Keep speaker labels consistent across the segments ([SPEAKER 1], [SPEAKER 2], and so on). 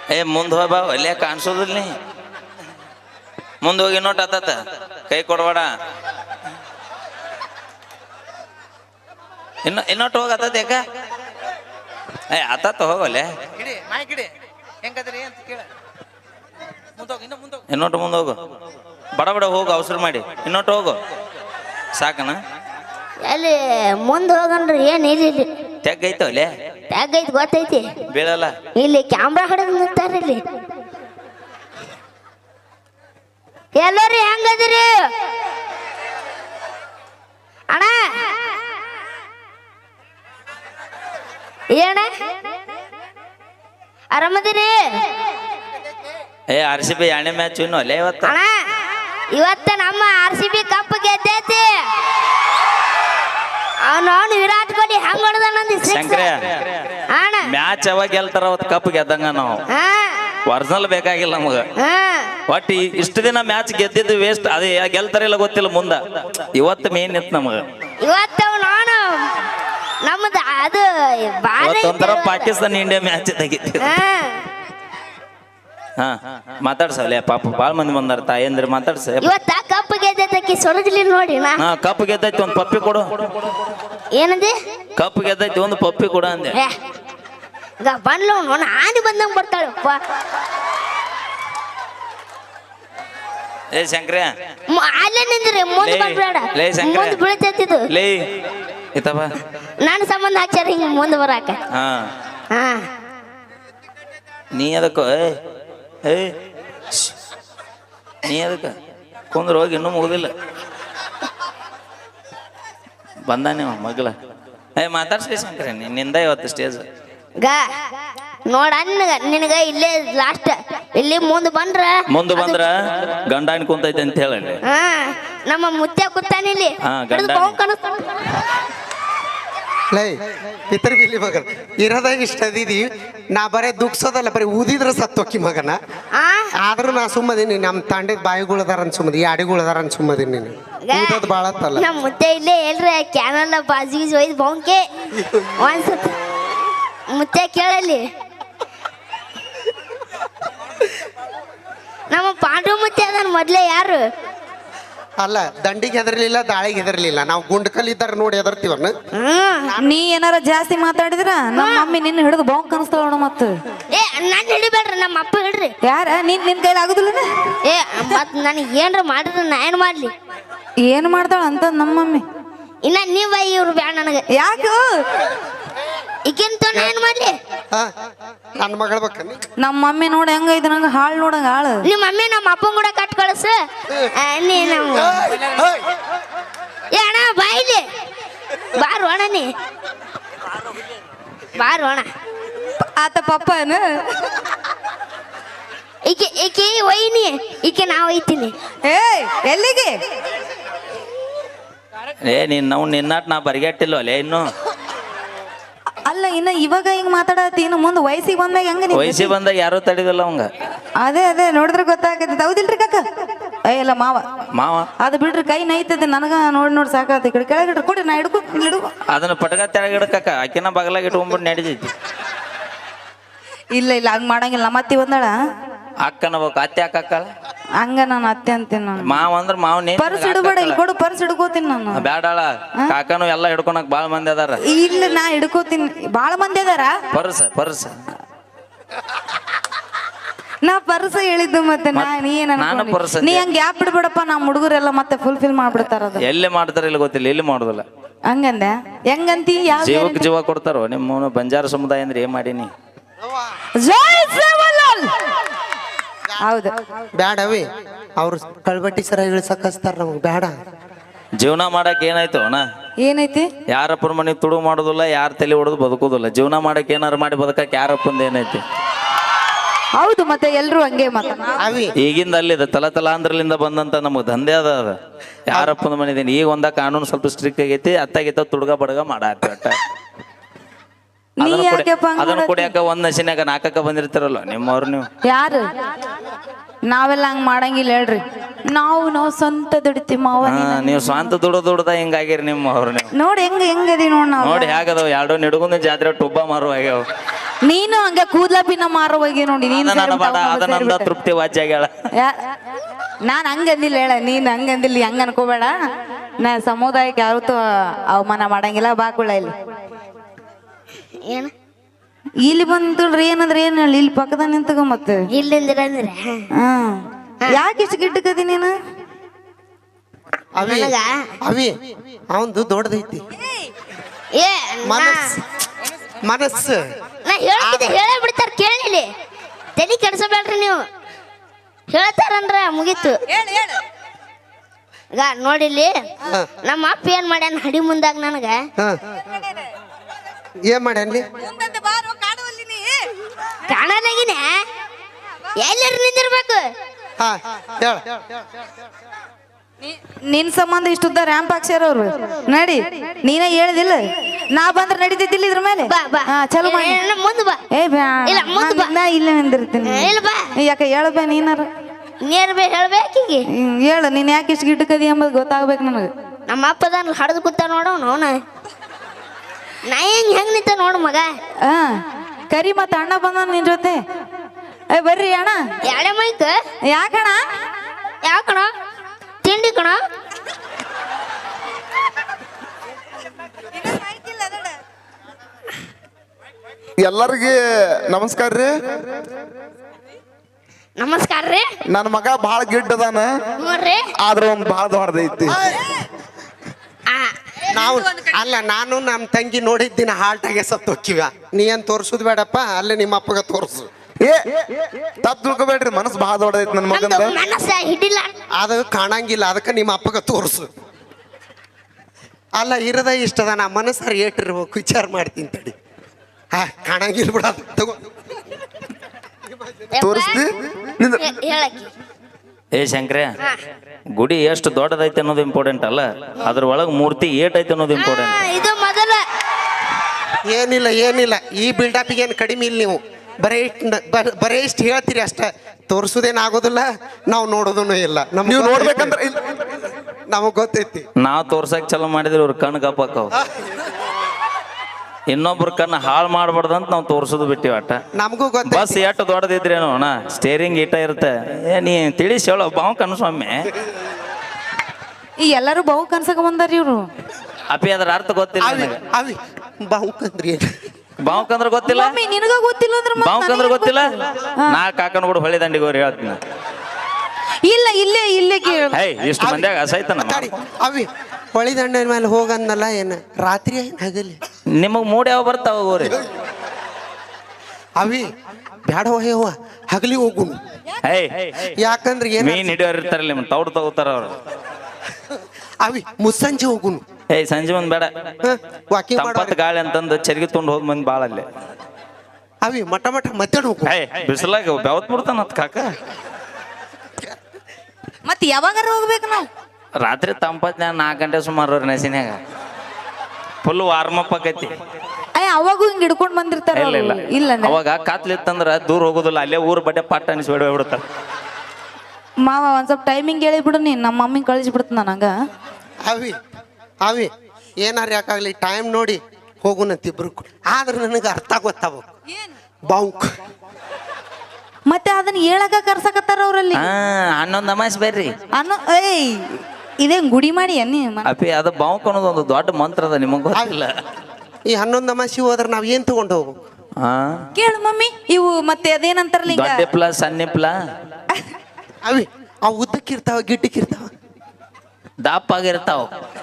[SPEAKER 1] ಏ ಮುಂದೆ ಹೋಗ ಬಾ ಅಲ್ಲೇ ಕಾಣಿಸೋದಿಲ್ಲ ನೀ ಮುಂದೆ ಹೋಗಿ ನೋಟ್ ಆತ ಕೈ ಕೊಡಬೇಡ ಇನ್ನೊಟ್ಟು ಹೋಗತ್ತ ಯಾಕ ಏ ಆತ ಹೋಗಲ್ಲೇ ಇನ್ನೊಟ್ಟು ಮುಂದೆ ಹೋಗು ಬಡ ಬಡ ಹೋಗು ಅವಸರ ಮಾಡಿ ಇನ್ನೊಟ್ಟು ಹೋಗು ಸಾಕನ
[SPEAKER 2] ಅಲ್ಲಿ ಮುಂದೆ ಹೋಗನ್ರಿ ಏನ್ ಇಲ್ಲಿ
[SPEAKER 1] ತೆಗ್ಗೈತವಲ್ಲೇ
[SPEAKER 2] ಟ್ಯಾಗೈತಿ ಗೊತ್ತೈತಿ
[SPEAKER 1] ಬೀಳಲ್ಲ
[SPEAKER 2] ಇಲ್ಲಿ ಕ್ಯಾಮ್ರಾ ಹಿಡಿದು ನಿಂತಾರ ಇಲ್ಲಿ ಎಲ್ಲರೂ ಹೆಂಗದಿರಿ ಅಣ್ಣ ಏನ ಆರಾಮದಿರಿ
[SPEAKER 1] ಏ RCB ಎರಡನೇ ಮ್ಯಾಚ್ ಇನ್ನು ಅಲ್ಲೇ ಇವತ್ತು
[SPEAKER 2] ಅಣ್ಣ ಇವತ್ತ ನಮ್ಮ RCB ಕಪ್ ಗೆದ್ದೈತಿ ಅವನು ವಿರಾಟ್ ಕೊಹ್ಲಿ ಹೆಂಗ್ ಹೊಡೆದ ನಂದು
[SPEAKER 1] ಶಂಕರೇ ಮ್ಯಾಚ್ ಯಾವಾಗ ಗೆಲ್ತಾರ ಅವತ್ತು ಕಪ್ ಗೆದ್ದಂಗ ನಾವು ಒರಿಜಿನಲ್ ಬೇಕಾಗಿಲ್ಲ ನಮಗ ಒಟ್ಟು ಇಷ್ಟು ದಿನ ಮ್ಯಾಚ್ ಗೆದ್ದಿದ್ದು ವೇಸ್ಟ್ ಅದೇ ಗೆಲ್ತಾರಿಲ್ಲ ಗೊತ್ತಿಲ್ಲ ಮುಂದ ಇವತ್ತು ಮೇನ್ ಇತ್ತು ನಮಗ
[SPEAKER 2] ಇವತ್ತು ನಾನು ನಮ್ದು ಅದು
[SPEAKER 1] ಒಂಥರ ಪಾಕಿಸ್ತಾನ ಇಂಡಿಯಾ ಮ್ಯಾಚ್ ತೆಗಿತೀವಿ ಹಾ ಮಾತಾಡ್ಸಲ್ಲ ಪಾಪ ಬಾಳ ಮಂದಿ ಬಂದಾರ ತಾಯಂದ್ರೆ ಮಾತಾಡ್ಸ
[SPEAKER 2] ಇವತ್ತ ಕಪ್ ಗೆದ್ದೈತಿ ಸೊರಗಲಿ ನೋಡಿ
[SPEAKER 1] ಹಾ ಕಪ್ ಗೆದ್ದೈತಿ ಒಂದು ಪಪ್ಪಿ ಕೊಡು
[SPEAKER 2] ಏನಂದಿ
[SPEAKER 1] ಕಪ್ ಗೆದ್ದೈತಿ ಒಂದು ಪಪ್ಪಿ ಕೊಡು ಅಂದೆ
[SPEAKER 2] ಈಗ ಬಂದ್ಲು ನೋಡ ಆನೆ ಬಂದಂಗ ಬರ್ತಾಳಪ್ಪ
[SPEAKER 1] ಏ ಶಂಕ್ರ
[SPEAKER 2] ಅಲ್ಲೇ ನಿಂದ್ರಿ ಮುಂದೆ ಬರ್ಬೇಡ ಮುಂದೆ ಬೀಳ್ತೈತಿದು
[SPEAKER 1] ಲೇ ಇತಪ್ಪ
[SPEAKER 2] ನನ್ನ ಸಂಬಂಧ ಹಾಕ್ಯಾರ ಹಿಂಗ ಮುಂದೆ ಬರಾಕ
[SPEAKER 1] ಹಾ
[SPEAKER 2] ಹಾ
[SPEAKER 1] ನೀ ಅದಕ್ಕ ಏ ನೀ ಅದಕ್ಕ ಕುಂದ್ರ ಹೋಗಿ ಇನ್ನೂ ಮುಗುದಿಲ್ಲ ಬಂದಾನೆ ಮಗಳ ಏ ಮಾತಾಡ್ಸ್ರಿ ಶಂಕರ ನಿನ್ನಿಂದ ಇವತ್ತು ಸ್ಟೇಜ್
[SPEAKER 2] ನೋಡ ನಿನಗ ಇಲ್ಲೇ ಲಾಸ್ಟ್ ಇಲ್ಲಿ ಮುಂದೆ ಬಂದ್ರ
[SPEAKER 1] ಗಂಡಾನ್ ಕುಂತೈತೆ ಅಂತ ಹೇಳಿ
[SPEAKER 2] ನಮ್ಮ ಮುತ್ಯ ಕೂತಾನ ಇಲ್ಲಿ
[SPEAKER 3] ಲೈ ಇತರ ಬಿಲ್ಲಿ ಮಗನ ಇರೋದಾಗ ಇಷ್ಟ ಅದೀದಿ ನಾ ಬರೇ ದುಃಖಸೋದಲ್ಲ ಬರೀ ಊದಿದ್ರ ಸತ್ತೋಕಿ ಮಗನ ಆದ್ರೂ ನಾ ಸುಮ್ಮದೀನಿ ನಮ್ಮ ತಂಡದ ಬಾಯಿಗಳದಾರ ಅಂತ ಸುಮ್ಮದಿ ಈ ಅಡಿಗಳದಾರ ಅಂತ ಸುಮ್ಮದೀನಿ ನೀನು ಊದೋದು ಬಾಳತ್ತಲ್ಲ
[SPEAKER 2] ನಮ್ಮ ಮುತ್ಯ ಇಲ್ಲೇ ಎಲ್ರಿ ಕ್ಯಾನಲ್ ಬಾಜಿಗೆ ಒಯ್ದು ಬೌಂಕೆ ಒಂದ್ಸತಿ ಮುತ್ಯ ಕೇಳಲ್ಲಿ ನಮ್ಮ ಪಾಂಡು ಮುತ್ಯ ಅದನ್ ಮೊದ್ಲೇ ಯಾರು
[SPEAKER 3] ಅಲ್ಲ ದಂಡಿಗೆ ಹೆದರ್ಲಿಲ್ಲ ದಾಳಿಗೆ ಹೆದರ್ಲಿಲ್ಲ ನಾವು ಗುಂಡ್ಕಲ್ಲಿದ್ದಾರ ನೋಡಿ ಹೆದರ್ತೀವನ್ನ
[SPEAKER 4] ನೀ ಏನಾರ ಜಾಸ್ತಿ ಮಾತಾಡಿದ್ರ ನಮ್ಮ ಮಮ್ಮಿ ನಿನ್ನ ಹಿಡಿದು ಬಾಂಕ್ ಅನಿಸ್ತಾಳ ನೋಡ ಮತ್ತ
[SPEAKER 2] ಏ ನಾನು ಹಿಡಿಬೇಡ್ರಿ ನಮ್ಮ ಅಪ್ಪ ಹಿಡ್ರಿ
[SPEAKER 4] ಯಾರ ನಿನ್ ಕೈಲಿ ಆಗುದಿಲ್ಲ
[SPEAKER 2] ಏ ಮತ್ ನನಗೆ ಏನ್ರ ಮಾಡಿದ್ರೆ ನಾ ಏನ್ ಮಾಡ್ಲಿ
[SPEAKER 4] ಏನ್ ಮಾಡ್ತಾಳ ಅಂತ ನಮ್ಮ ಮಮ್ಮಿ
[SPEAKER 2] ಇನ್ನ ನೀವ ಇವ್ರು ಬ್ಯಾಡ ನನಗೆ
[SPEAKER 4] ಯಾಕ
[SPEAKER 2] ಈಗಿಂತ ನಾ ಏನ್ ಮಾಡ್ಲಿ
[SPEAKER 3] ನನ್ನ ಮಗಳ ಬೇಕನ್ನ
[SPEAKER 4] ನಮ್ಮ ಮಮ್ಮಿ ನೋಡಿ ಹೆಂಗೈತೆ ನಂಗೆ ಹಾಳು ನೋಡಂಗ ಹಾಳು
[SPEAKER 2] ನಿಮ್ಮ ಮಮ್ಮಿ ನಮ್ಮ ಅಪ್ಪನ ಕೂಡ ಕಟ್ ಕಳಿಸು ನೀ ನಮ್ಮ ಏ ಅಣ್ಣ ಬಾಯಿಲಿ ಬಾರು ಅಣ್ಣ ನೀ ಬಾರು ಅಣ್ಣ
[SPEAKER 4] ಆತ ಪಪ್ಪನ
[SPEAKER 2] ಈಕೆ ಒಯ್ನಿ ಈಕೆ ನಾ ಒಯ್ತೀನಿ
[SPEAKER 4] ಏ ಎಲ್ಲಿಗೆ
[SPEAKER 1] ಏ ನಾವು ನಿನ್ನಾಟ್ ನಾ ಬರಿಗಟ್ಟಿಲ್ವ ಅಲ್ಲೇ ಇನ್ನು
[SPEAKER 4] ಅಲ್ಲ ಇನ್ನ ಇವಾಗ ಹಿಂಗ್ ಮಾತಾಡತ್ತಿ ಇನ್ನು ಮುಂದೆ ವಯಸ್ಸಿಗೆ ಬಂದಾಗ ಹೆಂಗ
[SPEAKER 1] ವಯಸ್ಸಿಗೆ ಬಂದಾಗ ಯಾರು ತಡಿದಲ್ಲ ಅವಂಗ
[SPEAKER 4] ಅದೇ ನೋಡಿದ್ರೆ ಗೊತ್ತಾಗತ್ತೆ ಹೌದಿಲ್ರಿ ಕಾಕ ಇಲ್ಲ
[SPEAKER 1] ಮಾವ
[SPEAKER 4] ಅದು ಬಿಡ್ರಿ ಕೈ ನೈತದೆ ನನಗ ನೋಡಿ ಸಾಕಾತ ಈ ಕಡೆ ಕೆಳಗಿಡ್ರಿ ಕೊಡ್ರಿ ನಾ ಹಿಡ್ಕೊ
[SPEAKER 1] ಅದನ್ನ ಪಟಕ ತೆಳಗಿಡಕ್ಕ ಆಕಿನ ಬಗಲಾಗ ಇಟ್ಕೊಂಡ್ಬಿಟ್ಟು ನಡಿದೈತಿ
[SPEAKER 4] ಇಲ್ಲ ಹಂಗ್ ಮಾಡಂಗಿಲ್ಲ ಮತ್ತೆ ಬಂದಾಳ
[SPEAKER 1] ಅಕ್ಕನ ಬೇಕು ಅತ್ತೆ ಅಕ್ಕಳ
[SPEAKER 4] ಹಂಗ ನಾನು ಅತ್ತೆ ಅಂತೀನಿ ನಾನು
[SPEAKER 1] ಮಾವ ಅಂದ್ರ ಮಾವ
[SPEAKER 4] ಪರ್ಸ್ ಹಿಡ್ಬೇಡ ಇಲ್ಲಿ ಕೊಡು ಪರ್ಸ್ ಹಿಡ್ಕೋತೀನಿ ನಾನು
[SPEAKER 1] ಬ್ಯಾಡಾಳ ಕಾಕನು ಎಲ್ಲ ಹಿಡ್ಕೊಳಕ್ ಬಾಳ ಮಂದಿ ಅದಾರ
[SPEAKER 4] ಇಲ್ಲ ನಾ ಹಿಡ್ಕೋತೀನಿ ಬಾಳ ಮಂದಿ ಅದಾರ
[SPEAKER 1] ಪರ್ಸ್
[SPEAKER 4] ನಾ ಪರ್ಸ ಹೇಳಿದ್ದು ಮತ್ತೆ ನೀ ಹಂಗ ಗ್ಯಾಪ್ ಬಿಡ್ಬೇಡಪ್ಪ ನಮ್ಮ ಹುಡುಗರೆಲ್ಲ ಮತ್ತೆ ಫುಲ್ಫಿಲ್ ಮಾಡ್ಬಿಡ್ತಾರ ಅದು
[SPEAKER 1] ಎಲ್ಲಿ ಮಾಡ್ತಾರ ಇಲ್ಲ ಗೊತ್ತಿಲ್ಲ ಇಲ್ಲಿ ಮಾಡುದಿಲ್ಲ
[SPEAKER 4] ಹಂಗಂದೆ ಹೆಂಗಂತಿ
[SPEAKER 1] ಜೀವಕ್ಕೆ ಜೀವ ಕೊಡ್ತಾರೋ ನಿಮ್ಮ ಬಂಜಾರ ಸಮುದಾಯ ಅಂದ್ರೆ ಏನ್ ಮಾಡೀನಿ
[SPEAKER 4] ಹೌದು
[SPEAKER 3] ಬ್ಯಾಡವಿ ಅವ್ರು ಕಳ್ಬಟ್ಟಿ ಸರ ಇಳಿಸಕ್ ಹಚ್ತಾರ ನಮಗ್ ಬ್ಯಾಡ
[SPEAKER 1] ಜೀವನ ಮಾಡಕ್ ಏನಾಯ್ತು ಅಣ್ಣ
[SPEAKER 4] ಏನೈತಿ
[SPEAKER 1] ಯಾರಪ್ಪನ ಮನೆ ತುಡು ಮಾಡೋದಿಲ್ಲ ಯಾರ ತಲೆ ಹೊಡೆದು ಬದುಕೋದಿಲ್ಲ ಜೀವನ ಮಾಡಕ್ ಏನಾರು ಮಾಡಿ ಬದುಕಕ್ ಯಾರಪ್ಪಂದ ಏನೈತಿ
[SPEAKER 4] ಹೌದು ಮತ್ತೆ ಎಲ್ರು ಹಂಗೆ
[SPEAKER 3] ಅವಿ
[SPEAKER 1] ಈಗಿಂದ ಅಲ್ಲಿದೆ ತಲಾಂಧ್ರಲಿಂದ ಬಂದಂತ ನಮಗ್ ದಂಧೆ ಅದ ಯಾರಪ್ಪನ ಮನೆ ಇದೀನಿ ಈಗ ಒಂದ ಕಾನೂನು ಸ್ವಲ್ಪ ಸ್ಟ್ರಿಕ್ಟ್ ಆಗೈತಿ ಅತ್ತಾಗಿತ್ತ ತುಡ್ಗ ಬಡ್ಗ ಮಾಡಾಕ ಅದನ್ನ ಕುಡಿಯಾಕ ಒಂದ್ ನಶಿನ್ಯಾಗ ನಾಲ್ಕಕ್ಕ ಬಂದಿರ್ತಾರಲ್ಲ ನಿಮ್ಮವ್ರು ನೀವು
[SPEAKER 4] ಯಾರು ನಾವೆಲ್ಲ ಹಂಗ್ ಮಾಡಂಗಿಲ್ಲ ಹೇಳ್ರಿ ನಾವು ಸ್ವಂತ ದುಡಿತೀವಿ ಮಾವ
[SPEAKER 1] ನೀವು ಸ್ವಂತ ದುಡ್ದ ಹಿಂಗಾಗಿರಿ ನಿಮ್ಮ ಅವ್ರು ನೀವು
[SPEAKER 4] ನೋಡಿ ಹೆಂಗದಿ ನೋಡ್ ನಾವು
[SPEAKER 1] ನೋಡಿ ಹೇಗದವ್ ಎರಡು ನಿಡುಗುಂದ ಜಾತ್ರೆ ಟುಬ್ಬ ಮಾರು ಆಗ್ಯಾವ
[SPEAKER 4] ನೀನು ಹಂಗ ಕೂದ್ಲ ಪಿನ್ನ ಮಾರೋ ಹೋಗಿ ನೋಡಿ ನೀನು
[SPEAKER 1] ಅದ ನನ್ನ ಬಾಡ ಅದ ನಂದ ತೃಪ್ತಿ ವಾಜ್ಯ ಆಗ್ಯಾಳ
[SPEAKER 4] ನಾನ್ ಹಂಗಂದಿಲ್ಲ ಹೇಳ ನೀನ್ ಹಂಗಂದಿಲ್ಲ ಹಂಗ ಅನ್ಕೋಬೇಡ ನಾ ಸಮುದಾಯಕ್ಕೆ ಯಾವತ್ತೂ ಅವಮಾನ ಮಾಡಂಗಿಲ್ಲ ಬಾಕುಳ ಇಲ್ಲಿ
[SPEAKER 2] ಏನ
[SPEAKER 4] ಇಲ್ಲಿ ಬಂದ್ರಿ ಏನಂದ್ರೆ ಏನ್ ಹೇಳಿ ಇಲ್ಲಿ ಪಕ್ಕದ ನಿಂತಗ ಮತ್ತೆ
[SPEAKER 2] ಇಲ್ಲಿಂದಿರ ಅಂದ್ರೆ
[SPEAKER 4] ಹ್ಮ್ ಯಾಕೆ ಇಷ್ಟು ಗಿಡ್ಡಕದಿ ನೀನು
[SPEAKER 3] ಅವಿ
[SPEAKER 2] ನನಗ
[SPEAKER 3] ಅವಿ ಅವಂದು ದೊಡ್ಡದೈತಿ
[SPEAKER 2] ಏ
[SPEAKER 3] ಮನಸ್ಸು ಮನಸ್ಸು
[SPEAKER 2] ನಾ ಹೇಳ್ತಿದ್ದೆ ಹೇಳೇ ಬಿಡ್ತಾರ ಕೇಳಿಲಿ ತಲೆ ಕೆಡ್ಸಬೇಡ್ರಿ ನೀವು ಹೇಳ್ತಾರಂದ್ರ ಮುಗೀತು ಈಗ ನೋಡಿಲ್ಲಿ ನಮ್ಮ ಅಪ್ಪ ಏನ್ ಮಾಡ್ಯಾನ ಹಡಿ ಮುಂದಾಗ ನನಗ
[SPEAKER 3] ಹಾ ಏನ್ ಮಾಡ್ಯಾನ್ಲಿ
[SPEAKER 2] ಕಾಣಲಾಗಿನೇ ಎಲ್ಲರೂ ನಿಂದಿರ್ಬೇಕು
[SPEAKER 3] ಹಾ ಹೇಳ
[SPEAKER 4] ನಿನ್ ಸಂಬಂಧ ಇಷ್ಟುದ್ದ ರ್ಯಾಂಪ್ ಹಾಕ್ಸ್ಯಾರ ಅವ್ರು ನಡಿ ನೀನೇ ಹೇಳಿದಿಲ್ಲ ನಾ ಬಂದ್ರೆ ನಡೀತಿದ್ದಿಲ್ಲ ಇದ್ರ ಮೇಲೆ
[SPEAKER 2] ಬಾ ಬಾ
[SPEAKER 4] ಹಾ ಚಲೋ ಮಾಡಿ
[SPEAKER 2] ಮುಂದೆ ಬಾ
[SPEAKER 4] ಏ
[SPEAKER 2] ಇಲ್ಲ, ಮುಂದ್ ಬಾ.
[SPEAKER 4] ನಾ ಇಲ್ಲೇ ನಿಂದಿರ್ತೀನಿ
[SPEAKER 2] ಇಲ್ಲ ಬಾ
[SPEAKER 4] ಯಾಕೆ ಹೇಳಬೇ ನೀನಾರ
[SPEAKER 2] ನೇರ್ ಬೇ ಹೇಳ್ಬೇಕೀಗಿ
[SPEAKER 4] ಹೇಳು ನೀನ್ ಯಾಕೆ ಇಷ್ಟು ಗಿಡ್ಡಕದಿ ಎಂಬುದು ಗೊತ್ತಾಗ್ಬೇಕು ನನಗೆ
[SPEAKER 2] ನಮ್ಮ ಅಪ್ಪದನ್ನ ಹಡ್ದು ಕೂತ ನೋಡೋನು ಅವನ ನಾ ಹೆಂಗ್ ನಿಂತ ನೋಡು ಮಗ
[SPEAKER 4] ಹಾ ಕರಿ ಮತ್ತೆ ಅಣ್ಣ ಬಂದ ನಿನ್ ಜೊತೆ ಏ ಬರ್ರಿ ಅಣ್ಣ
[SPEAKER 2] ಎಳೆ ಮೈಕ್
[SPEAKER 4] ಯಾಕಣ್ಣ
[SPEAKER 2] ಯಾವ ಕಣ ತಿಂಡಿ ಕಣ
[SPEAKER 5] ಎಲ್ಲರಿಗೆ ನಮಸ್ಕಾರ ರೀ
[SPEAKER 2] ನಮಸ್ಕಾರ ರೀ
[SPEAKER 5] ನನ್ನ ಮಗ ಬಹಳ ಗಿಡ್ಡ ಅದಾನ
[SPEAKER 2] ನೋಡ್ರಿ
[SPEAKER 5] ಆದ್ರ ಒಂದ್ ಬಹಳ ದೊಡ್ಡದೈತಿ
[SPEAKER 2] ಆ,
[SPEAKER 3] ನಾವು ಅಲ್ಲ ನಾನು ನಮ್ಮ ತಂಗಿ ನೋಡಿದ್ದಿನ ಹಾಲ್ಟಾಗೆ ಸತ್ತು ಹೋಕ್ಕಿವ ನೀ ಏನ್ ತೋರ್ಸುದ್ ಬೇಡಪ್ಪ ಅಲ್ಲೇ ನಿಮ್ಮ ಅಪ್ಪಗ ತೋರ್ಸು
[SPEAKER 5] ಏ ತಪ್ಪು ತಿಳ್ಕೊಬೇಡ್ರಿ ಮನಸ್ಸು ಬಹಳ ದೊಡ್ಡದೈತಿ ನನ್ನ
[SPEAKER 2] ನಮ್ದು
[SPEAKER 5] ಮಗಂದ
[SPEAKER 2] ಮನಸ್ಸ ಹಿಡಿಲ್ಲ
[SPEAKER 3] ಅದು ಕಾಣಂಗಿಲ್ಲ ಅದಕ್ಕೆ ನಿಮ್ಮ ಅಪ್ಪಗ ತೋರ್ಸು ಅಲ್ಲ ಇರದ ಇಷ್ಟದ ನಾ ಮನಸ್ಸಾರ ಏಟಿರ್ಬೇಕು ವಿಚಾರ ಮಾಡ್ತೀನಿ ತಡಿ ಹಾ ಕಾಣಂಗಿಲ್ಲ ಬಿಡ ಅದು ತಗೋ
[SPEAKER 5] ತೋರಿಸ್ತಿ ನಿಂದ್ರ
[SPEAKER 2] ಹೇಳಕ್ಕಿ
[SPEAKER 1] ಏ ಶಂಕ್ರೆ
[SPEAKER 2] ಹಾ.
[SPEAKER 1] ಗುಡಿ ಎಷ್ಟು ದೊಡ್ಡದೈತೆ ಅನ್ನೋದು ಇಂಪಾರ್ಟೆಂಟ್ ಅಲ್ಲ ಅದ್ರ ಒಳಗೆ ಮೂರ್ತಿ ಏಟೈತೆ ಅನ್ನೋದು ಇಂಪಾರ್ಟೆಂಟ್
[SPEAKER 2] ಇದು ಮೊದಲ
[SPEAKER 3] ಏನಿಲ್ಲ ಏನಿಲ್ಲ ಈ ಬಿಲ್ಡಪ್ಗೆ ಏನು ಕಡಿಮೆ ಇಲ್ಲ ನೀವು ಬರೇ ಇಷ್ಟು ಹೇಳ್ತೀರಿ ಅಷ್ಟ ತೋರ್ಸುದೇನ್ ಆಗೋದಿಲ್ಲ ನಾವು ನೋಡೋದೂ ಇಲ್ಲ
[SPEAKER 5] ನೀವು ನೋಡ್ಬೇಕಂದ್ರೆ
[SPEAKER 3] ನಮಗ್ ಗೊತ್ತೈತಿ
[SPEAKER 1] ನಾವು ತೋರ್ಸಕ್ ಚಲೋ ಮಾಡಿದ್ರೆ ಇವ್ರ ಕಣ್ಣು ಕಪ್ಪಾಕವ್ ಇನ್ನೊಬ್ರ ಕಣ್ಣು ಹಾಳು ಮಾಡ್ಬಾರ್ದಂತ ನಾವು ತೋರ್ಸೋದು ಬಿಟ್ಟಿವಿ ಅಟ್ಟ
[SPEAKER 3] ನಮಗೂ
[SPEAKER 1] ಬಸ್
[SPEAKER 3] ಗೊತ್ತೈತಿ
[SPEAKER 1] ಎಷ್ಟು ದೊಡ್ಡದಿದ್ರೇನು ಅಣ್ಣ ಸ್ಟೇರಿಂಗ್ ಈಟ ಇರುತ್ತೆ ಏ ನೀ ತಿಳಿಸಿ ಹೇಳೋ ಬಾವು ಕಣ್ಣು ಸ್ವಾಮಿ
[SPEAKER 4] ಈ ಎಲ್ಲರೂ ಬಹು ಕನ್ಸಕ ಬಂದಾರ ಇವ್ರು
[SPEAKER 1] ಅಪ್ಪಿ ಅದ್ರ ಅರ್ಥ ಗೊತ್ತಿಲ್ಲ
[SPEAKER 3] ಅವಿ
[SPEAKER 1] ನನಗೆ
[SPEAKER 3] ಅವಿ ಬಾವುಕಂದ್ರಿ ಏನು
[SPEAKER 1] ಬಾವುಕಂದ್ರ ಗೊತ್ತಿಲ್ಲ
[SPEAKER 4] ಮಮ್ಮಿ ನಿನಗ ಗೊತ್ತಿಲ್ಲ ಅಂದ್ರೆ ಮತ್ತ್
[SPEAKER 1] ಬಾವುಕಂದ್ರ
[SPEAKER 4] ನನಗೇನ್
[SPEAKER 1] ಗೊತ್ತಿಲ್ಲ
[SPEAKER 4] ಗೊತ್ತು?
[SPEAKER 1] ನಾ ಕಾಕನ ಕೂಡ ಹೊಳಿ ದಂಡಿಗೆ ಹೋಗಿ ಹೇಳ್ತೀನಿ
[SPEAKER 4] ಇಲ್ಲ ಇಲ್ಲೇ ಕೇಳು
[SPEAKER 1] ಹೇ ಇಷ್ಟು ಮಂದ್ಯಾಗ ಅಸೈತನ
[SPEAKER 3] ತಡಿ ಅವಿ ಹೊಳಿ ದಂಡನ ಮೇಲೆ ಹೋಗಂದಲ್ಲ ಏನು ರಾತ್ರಿ ಏನು ಹಗಲಿ
[SPEAKER 1] ನಿಮಗ್ ಮೂಡ್ ಯಾವ ಬರ್ತಾವ ಹೋಗ್ರಿ
[SPEAKER 3] ಅವಿ ಬ್ಯಾಡ ಹೋಯವ್ವ ಹಗಲಿ ಹೋಗು
[SPEAKER 1] ಹೇ
[SPEAKER 3] ಯಾಕಂದ್ರೆ ಏನು
[SPEAKER 1] ಮೀನ್ ಹಿಡಿಯೋರ್ ಇರ್ತಾರಲ್ಲ ನಿಮ್ ತೌಡ್ ತಗೋತಾರ ಅವ್ರು
[SPEAKER 3] ಅವಿ ಮುಸ್ಸಂಜೆ ಹೋಗುನು
[SPEAKER 1] ಏ ಸಂಜೆ ಮುಂದ್ ಬೇಡ
[SPEAKER 3] ವಾಕಿಂಗ್
[SPEAKER 1] ತಂಪತ್
[SPEAKER 3] ಮಾಡೋ
[SPEAKER 1] ಗಾಳಿ ಅಂತಂದು ಚರ್ಗಿ ತೊಗೊಂಡು ಹೋದ್ ಮಂದಿ ಬಾಳ ಅಲ್ಲಿ
[SPEAKER 3] ಅವಿ ಮಠ ಮತ್ತಾಡ ಹೋಗು
[SPEAKER 1] ಹೇ ಬಿಸಿಲಾಗ ಬೆವತ್ ಬಿಡ್ತಾನ ಅತ್ ಕಾಕ
[SPEAKER 4] ಮತ್ ಯಾವಾಗಾರ ಹೋಗ್ಬೇಕು ನಾವು
[SPEAKER 1] ರಾತ್ರಿ ತಂಪತ್ನ್ಯಾಗ 4 ಗಂಟೆ ಸುಮಾರು ನಸಿನ್ಯಾಗ ಫುಲ್ ವಾರ್ಮಪ್ ಆಕೈತಿ
[SPEAKER 4] ಅಯ್ಯ ಅವಾಗೂ ಹಿಂಗ್ ಹಿಡ್ಕೊಂಡ್ ಬಂದಿರ್ತಾರ
[SPEAKER 1] ಇಲ್ಲ ಇಲ್ಲ
[SPEAKER 4] ಇಲ್ಲ
[SPEAKER 1] ಅವಾಗ ಕಾತ್ಲಿತ್ತಂದ್ರ ದೂರ ಹೋಗೋದಿಲ್ಲ ಅಲ್ಲೇ ಊರ್ ಬಡ್ಡೆ ಪಟ್ಟ ಅನಿಸಿ ಬಿಡ್ತಾರ
[SPEAKER 4] ಮಾವ ಒಂದ್ ಸ್ವಲ್ಪ ಟೈಮಿಂಗ್ ಹೇಳಿ ಬಿಡು ನೀನ್ ನಮ್ಮ ಮಮ್ಮಿ ಕಳಿಸಿ ಬಿಡ್ತೀನಿ ನನಗ
[SPEAKER 3] ಅವಿ ಅವಿ ಏನಾರ ಯಾಕಾಗ್ಲಿ ಟೈಮ್ ನೋಡಿ ಹೋಗುನಂತಿಬ್ರು ಆದ್ರೆ ನನಗೆ ಅರ್ಥ ಗೊತ್ತಾಗಬೇಕು ಬಾವುಕ್
[SPEAKER 4] ಮತ್ತೆ ಅದನ್ನ ಹೇಳಕ ಕರ್ಸಕತ್ತಾರ ಅವ್ರಲ್ಲಿ
[SPEAKER 1] ಹಾ 11 ಅಮಾಸ್ ಬರ್ರಿ
[SPEAKER 4] ಅನ್ನೋ ಏಯ್ ಇದೇನ್ ಗುಡಿ ಮಾಡಿ ಅನ್ನಿ
[SPEAKER 1] ಅಪ್ಪಿ ಅದು ಬಾವುಕ್ ಅನ್ನೋದು ಒಂದು ದೊಡ್ಡ ಮಂತ್ರ ಅದ ನಿಮಗ್ ಗೊತ್ತಿಲ್ಲ
[SPEAKER 3] ಈ 11 ಅಮಾಸಿ ಹೋದ್ರೆ ನಾವ್ ಏನ್ ತಗೊಂಡು ಹೋಗ್ಬೇಕು
[SPEAKER 1] ಹಾ
[SPEAKER 4] ಕೇಳು ಮಮ್ಮಿ ಇವು ಮತ್ತೆ ಅದೇನಂತಾರಲ್ಲ ಈಗ
[SPEAKER 1] ದೊಡ್ಡ ಪ್ಲ ಸಣ್ಣ ಪ್ಲ
[SPEAKER 3] ಅವಿ ಆ ಉದ್ದಕ್ಕಿರ್ತಾವ ಗಿಡ್ಡಕ್ಕಿರ್ತಾವ
[SPEAKER 1] ದಪ್ಪ ಆಗಿರ್ತಾವ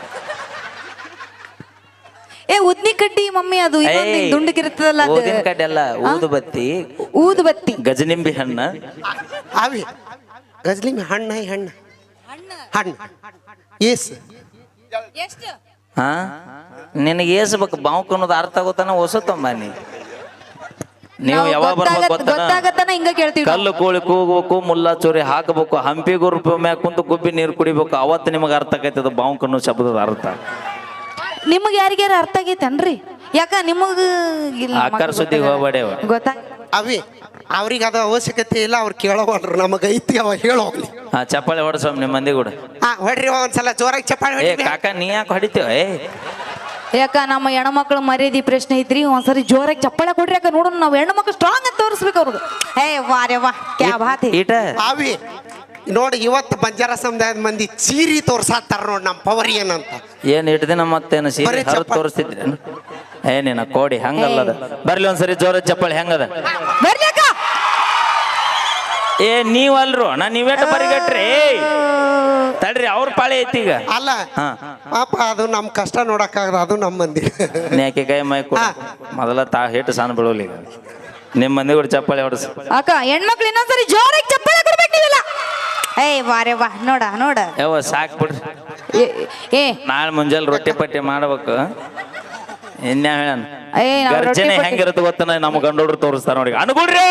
[SPEAKER 4] ಏ ಉದ್ನಿ ಕಡ್ಡಿ ಮಮ್ಮಿ ಅದು ಇನ್ನೊಂದ್ ಹಿಂಗ್ ದುಂಡಗಿರ್ತದಲ್ಲ ಅದು
[SPEAKER 1] ಊದಿನ ಕಡ್ಡಿ ಅಲ್ಲ ಊದುಬತ್ತಿ
[SPEAKER 4] ಊದುಬತ್ತಿ
[SPEAKER 1] ಗಜನಿಂಬಿ ಹಣ್ಣ
[SPEAKER 3] ಅವಿ ಗಜ್ಲಿ ಹಣ್ಣ ಹಣ್ಣು ಏಸ್
[SPEAKER 1] ಹಾ ನಿನಗೆ ಏಸ್ಬೇಕು ಬಾವುಕ್ ಅನ್ನೋದು ಅರ್ಥ ಆಗೋತನ ಹೊಸತಮ್ಮ ನೀ ನೀವು ಯಾವಾಗ ಬರ್ಬೇಕು ಗೊತ್ತಾನ
[SPEAKER 4] ಗೊತ್ತಾಗತ್ತಾನ ಹಿಂಗ ಕೇಳ್ತೀವಿ ನಾವು.
[SPEAKER 1] ಕಲ್ಲು ಕೋಳಿ ಕೂಗ್ಬೇಕು ಮುಲ್ಲಾ ಚೋರಿ ಹಾಕಬೇಕು ಹಂಪಿ ಗುರುಪ ಮ್ಯಾಗ ಕುಂತು ಗುಬ್ಬಿ ನೀರು ಕುಡಿಬೇಕು ಅವತ್ತು ನಿಮಗೆ ಅರ್ಥ ಆಕೈತದ ಬಾವುಕ್ ಅನ್ನೋ ಶಬ್ದದ ಅರ್ಥ
[SPEAKER 4] ನಿಮಗ್ ಯಾರಿಗ್ಯಾರ ಅರ್ಥ ಆಗೈತೇನ್ರಿ ಯಾಕ ನಿಮಗ ಇಲ್ಲ
[SPEAKER 1] ಆಕಾರ ಸುದ್ದಿಗೆ ಹೋಗ್ಬೇಡವ
[SPEAKER 4] ಗೊತ್ತಾ
[SPEAKER 3] ಅವಿ ಅವ್ರಿಗೆ ಅದು ಅವಶ್ಯಕತೆ ಇಲ್ಲ ಅವ್ರು ಕೇಳೋವಲ್ರು ನಮಗೆ ಐತಿ ಅವ ಹೇಳೋಗ್ಲಿ
[SPEAKER 1] ಹಾ ಚಪ್ಪಾಳೆ ಹೊಡ್ಸಮ್ ನಿಮ್ಮ ಮಂದಿ ಕೂಡ
[SPEAKER 3] ಹಾ ಹೊಡ್ರಿ ಒಂದ್ಸಲ ಜೋರಾಗಿ ಚಪ್ಪಾಳೆ
[SPEAKER 1] ಏ
[SPEAKER 3] ಹೊಡಿ
[SPEAKER 1] ಕಾಕ ನೀ ಯಾಕೆ ಹೊಡಿತೀವ ಏ
[SPEAKER 4] ಯಾಕ ನಮ್ಮ ಹೆಣ್ಮಕ್ಳು ಮರ್ಯಾದಿ ಪ್ರಶ್ನೆ ಐತ್ರಿ ಒಂದ್ಸರಿ ಜೋರಾಗಿ ಚಪ್ಪಾಳೆ ಕೊಡ್ರಿ ಯಾಕ ನೋಡೋಣ ನಾವು ಹೆಣ್ಮಕ್ಳು ಸ್ಟ್ರಾಂಗ್ ಅಂತ ತೋರಿಸ್ಬೇಕು ಅವ್ರಿಗೆ ವಾರೆ ವಾ ಕ್ಯಾ ಬಾತ್ ಹೈ.
[SPEAKER 1] ಈಟ
[SPEAKER 3] ಅವಿ ನೋಡಿ ಇವತ್ತು ಬಂಜಾರ ಸಮುದಾಯದ ಮಂದಿ ಚೀರಿ ತೋರ್ಸಾತಾರ ನೋಡಿ ನಮ್ಮ ಪವರ್ ಏನಂತ.
[SPEAKER 1] ಏನ್ ಇಟ್ಟು ದಿನ ಮತ್ತೇನು ಸೀರೆ
[SPEAKER 3] ಬರೀ
[SPEAKER 1] ಹರಿದು
[SPEAKER 3] ಚಪ್ಪಾಳೆ.
[SPEAKER 1] ತೋರಿಸ್ತಿದ್ರಿ ಏನೇನ ಕೋಡಿ ಹಂಗಲ್ಲದ ಬರ್ಲಿ ಒಂದ್ಸರಿ ಜೋರ ಚಪ್ಪಳಿ ಹೆಂಗದ
[SPEAKER 4] ಬರ್ಲಿ ಅಕ್ಕ.
[SPEAKER 1] ಏ ನೀವಲ್ರು ನೀವೇಟ ಬರಿಗಟ್ರಿ ತಡ್ರಿ ಅವ್ರ ಪಾಳಿ ಐತಿ ಈಗ
[SPEAKER 3] ಅಲ್ಲ
[SPEAKER 1] ಹಾ
[SPEAKER 3] ಪಾಪ ಅದು ನಮ್ಮ ಕಷ್ಟ ನೋಡಕ್ಕಾಗದ ಅದು ನಮ್ಮ ಮಂದಿ.
[SPEAKER 1] ನ್ಯಾಕೆ ಕೈ ಮೈ ಕೊಡ ಮೊದಲ ಹಿಟ್ಟು ಸಣ್ಣ ಬೀಳೋಲಿ ಈಗ ನಿಮ್ಮ ಮಂದಿ ಕೂಡ ಚಪ್ಪಾಳಿ ಹೊಡಸ್
[SPEAKER 4] ಅಕ್ಕ ಹೆಣ್ಮಕ್ಳು ಇನ್ನೊಂದ್ಸರಿ ಜೋರಾಗಿ ಚಪ್ಪಾಳೆ ಕೊಡ್ಬೇಕು ನೀವೆಲ್ಲ. ವಾರೆ ವಾ ನೋಡ ನೋಡ
[SPEAKER 1] ಯಾವ ಸಾಕ್ ಬಿಡ್ರಿ
[SPEAKER 4] ಏ
[SPEAKER 1] ನಾಳೆ ಮುಂಜಾನೆ ರೊಟ್ಟಿ ಪಟ್ಟಿ ಮಾಡ್ಬೇಕು ಇನ್ಯಾ ಹೇಳ
[SPEAKER 4] ನಾವ್ ರೊಟ್ಟಿ
[SPEAKER 1] ಗರ್ಜನೆ
[SPEAKER 4] ಪಟ್ಟಿ-
[SPEAKER 1] ಹೆಂಗಿರುತ್ತೆ ಗೊತ್ತ ನಮ್ಮ ಗಂಡೋಡ್ರು ತೋರಿಸ್ತಾರ ನೋಡಿ ಅನುಗುಡ್ರಿ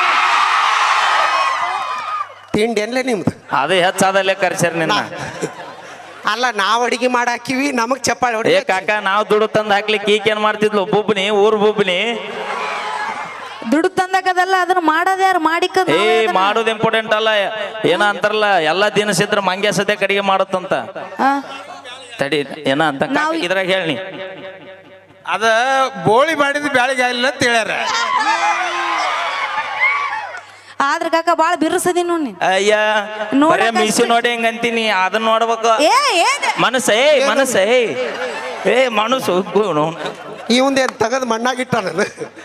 [SPEAKER 3] ತಿಂಡಿ ಏನ್ಲೇ ನಿಮ್ದು?
[SPEAKER 1] ಅದೇ ಹೆಚ್ಚಾದಲ್ಲೇ ಕರ್ಸ್ಯಾರ ನಿನ್ನ
[SPEAKER 3] ಅಲ್ಲ ನಾವ್ ಅಡಿಗೆ ಮಾಡಾಕಿವಿ ನಮಗ್ ಚಪ್ಪಾಳೆ ಹೊಡಿ.
[SPEAKER 1] ಏ ಕಾಕ ನಾವು ದುಡ್ಡು ತಂದು ಹಾಕ್ಲಿಕ್ಕೆ ಈಕೇನ್ ಮಾಡ್ತಿದ್ಲು ಬುಬ್ನಿ ಊರ್ ಬುಬ್ನಿ
[SPEAKER 4] ದುಡ್ಡು ತಂದಕದಲ್ಲ ಅದನ್ನ ಮಾಡೋದು ಯಾರು ಮಾಡಿಕ
[SPEAKER 1] ಏ ಮಾಡೋದು ಇಂಪಾರ್ಟೆಂಟ್ ಅಲ್ಲ ಏನ ಅಂತಾರಲ್ಲ ಎಲ್ಲಾ ದಿನಸಿದ್ರ ಮಂಗ್ಯ ಸದ್ಯ ಕಡಿಗೆ ಮಾಡುತ್ತಂತ ತಡಿ ಏನ ಅಂತ ಕಾಕ ಇದ್ರಾಗ ಹೇಳಿ
[SPEAKER 6] ಅದ ಬೋಳಿ ಮಾಡಿದ ಬ್ಯಾಳಿಗೆ ಆಗಿಲ್ಲ ಅಂತ ಹೇಳ್ಯಾರ.
[SPEAKER 4] ಆದ್ರ ಕಾಕ ಬಾಳ ಬಿರ್ಸದಿ ನೋಡಿ
[SPEAKER 1] ಅಯ್ಯ
[SPEAKER 4] ನೋಡಕ್
[SPEAKER 1] ಬರೇ ಮೀಸಿ ನೋಡಿ ಹೆಂಗ ಅಂತೀನಿ ಅದನ್ನ ನೋಡ್ಬೇಕು
[SPEAKER 4] ಏನ್
[SPEAKER 1] ಮನಸ್ಸ ಏ ಮನಸ್ಸು
[SPEAKER 3] ಇವಂದೇನ್ ತಗದ್ ಮಣ್ಣಾಗಿಟ್ಟ ನಾನು.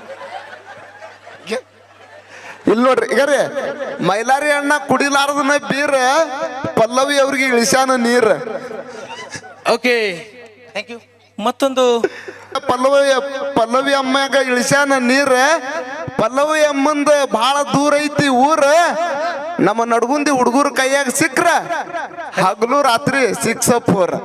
[SPEAKER 5] ಇಲ್ಲಿ ನೋಡ್ರಿ ಈಗ ರೀ ಮೈಲಾರಿ ಅಣ್ಣ ಕುಡಿಲಾರದನ್ನ ಬೀರ ಪಲ್ಲವಿ ಅವ್ರಿಗೆ ಇಳಿಸ್ಯಾನ ನೀರ್.
[SPEAKER 6] Okay thank you. ಮತ್ತೊಂದು
[SPEAKER 5] ಪಲ್ಲವಿ ಅಮ್ಮಾಗ ಇಳಿಸ್ಯಾನ ನೀರ್. ಪಲ್ಲವಿ ಅಮ್ಮಂದ ಬಹಳ ದೂರ ಐತಿ ಊರ. ನಮ್ಮ ನಡ್ಗುಂದಿ ಹುಡುಗರ ಕೈಯಾಗ ಸಿಕ್ರ ಹಗಲು ರಾತ್ರಿ 6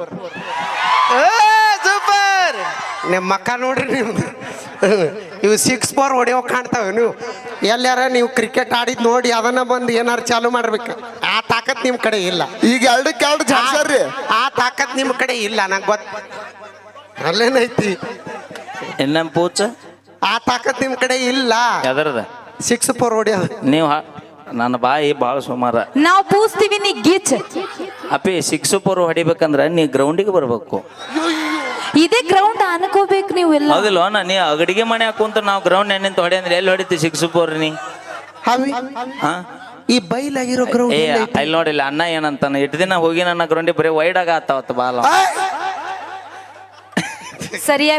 [SPEAKER 6] ಸೂಪರ್.
[SPEAKER 3] ನಿಮ್ಮ ಮಕ್ಕ ನೋಡ್ರಿ ನೀವು ಇವು 6 ಹೊಡೆಯೋ ಕಾಣ್ತಾವೆ. ನೀವು ಎಲ್ಲಾರ ನೀವು ಕ್ರಿಕೆಟ್ ಆಡಿದ್ ನೋಡಿ ಅದನ್ನ ಬಂದು ಏನಾರು ಚಾಲು ಮಾಡ್ಬೇಕು. ಆ ತಾಕತ್ ನಿಮ್ ಕಡೆ ಇಲ್ಲ.
[SPEAKER 5] ಈಗ 2-2 ಜಾಡ್ಸಾರ್ರಿ.
[SPEAKER 3] ಆ ತಾಕತ್ ನಿಮ್ ಕಡೆ ಇಲ್ಲ ನಂಗೆ ಗೊತ್ತ. ಅಲ್ಲೇನೈತಿ
[SPEAKER 1] ಇನ್ನ ಪೂಚ
[SPEAKER 3] ಆ ತಾಕತ್ ನಿಮ್ ಕಡೆ ಇಲ್ಲ.
[SPEAKER 1] ಎದರದ
[SPEAKER 3] 6 ಹೊಡೆಯೋ
[SPEAKER 1] ನೀವು ನನ್ನ ಬಾಯಿ ಭಾಳ ಸುಮಾರ
[SPEAKER 4] ನಾವು ಪೂಸ್ತೀವಿ ನೀ ಗೀಚ್.
[SPEAKER 1] ಅಪ್ಪಿ 6 ಹೊಡಿಬೇಕಂದ್ರ ನೀ ಗ್ರೌಂಡಿಗೆ ಬರ್ಬೇಕು.
[SPEAKER 4] ಇದೇ ಗ್ರೌಂಡ್ ಅನ್ಕೋಬೇಕು ನೀವು ಎಲ್ಲ.
[SPEAKER 1] ಹೌದಿಲ್ವ ನೀ ಅಗಡಿಗೆ ಮನೆ ಹಾಕುಂತ ನಾವು ಗ್ರೌಂಡ್ ನಿಂತ ಹೊಡಿ ಅಂದ್ರೆ ಎಲ್ಲಿ ಹೊಡಿತಿ 6 ನೀ
[SPEAKER 3] ಹಾವಿ
[SPEAKER 1] ಹಾ
[SPEAKER 3] ಈ ಬೈಲಾಗಿರೋ ಗ್ರೌಂಡ್
[SPEAKER 1] ಏ ಅಲ್ಲಿ ನೋಡಿಲ್ಲ ಅಣ್ಣ ಏನಂತಾನ ಇಟ್ಟು ದಿನ ಹೋಗಿ ನನ್ನ ಗ್ರೌಂಡಿಗೆ ಬರೀ ವೈಡ್ ಆಗ ಆತಾವತ್ತ ಬಾಲ
[SPEAKER 4] ಸರಿಯಾಗಿ